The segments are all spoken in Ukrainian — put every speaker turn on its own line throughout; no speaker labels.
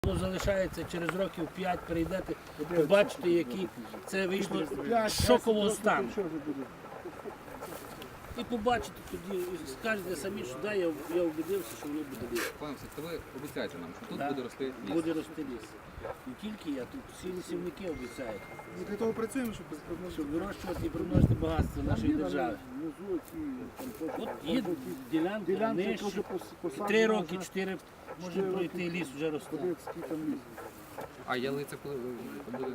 Воно залишається через років 5, перейдете, побачите, які це вийшло з шокового стану. І побачите тоді, і скажете самі, що да, я убедився, що воно буде ліс.
Пане Олексій, то ви обіцяєте нам, що тут
Да,
буде рости ліс?
буде рости ліс. Не тільки я, тут всі лісівники обіцяють,
Ми для того працюємо, щоб
вирощувати і примножити багатство нашої держави. От є ділянка нижче, 3 роки, 4 може пройти ліс, вже росте.
А ялиця коли буде?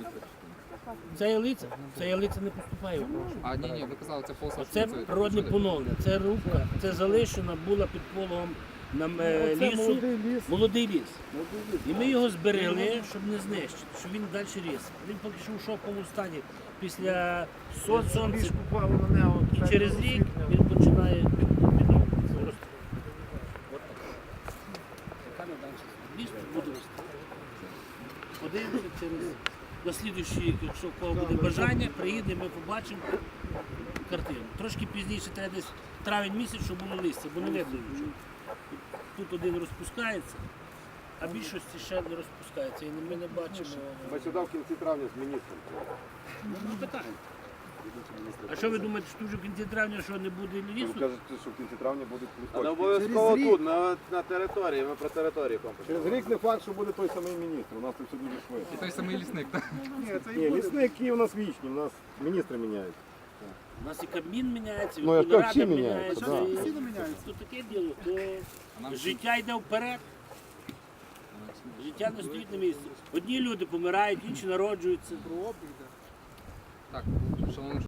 Ця ялиця не поступає в гроші.
А ні, ви казали, це полоса.
Це природне поновлення, це рубка, це залишена була під пологом лісу, молодий ліс. І ми його зберегли, щоб не знищити, щоб він далі ріс. Він поки що в шоковому стані після сонця. І через рік він починає відновлюватися. Ліс буде рости. Подивимося через наслідуючий рік, якщо в кого буде бажання, приїде, ми побачимо картину. Трошки пізніше треба десь травень місяць, щоб було листя, бо не видно нічого. Тут один розпускається, а більшості ще не розпускається. І ми не бачимо.
Сюди в кінці травня з міністром.
Ну, питання. А що ви думаєте, що вже в кінці травня що не буде
Ви
лісу?
кажете, що в кінці травня будуть
А не
листочки.
обов'язково тут, на території, ми про територію комплекс.
Через рік не факт, що буде той самий міністр. У нас це все дуже
І
швидко.
той самий лісник, так?
Ні, лісники у нас вічні, у нас міністри міняються.
У нас і Кабмін міняється, і
Ну, як
Верховна
всі
Рада
міняються,
міняється.
да.
І то таке діло, то
нам
життя йде вперед. Життя не стоїть на місці. Одні люди помирають, інші народжуються.
Так, шановні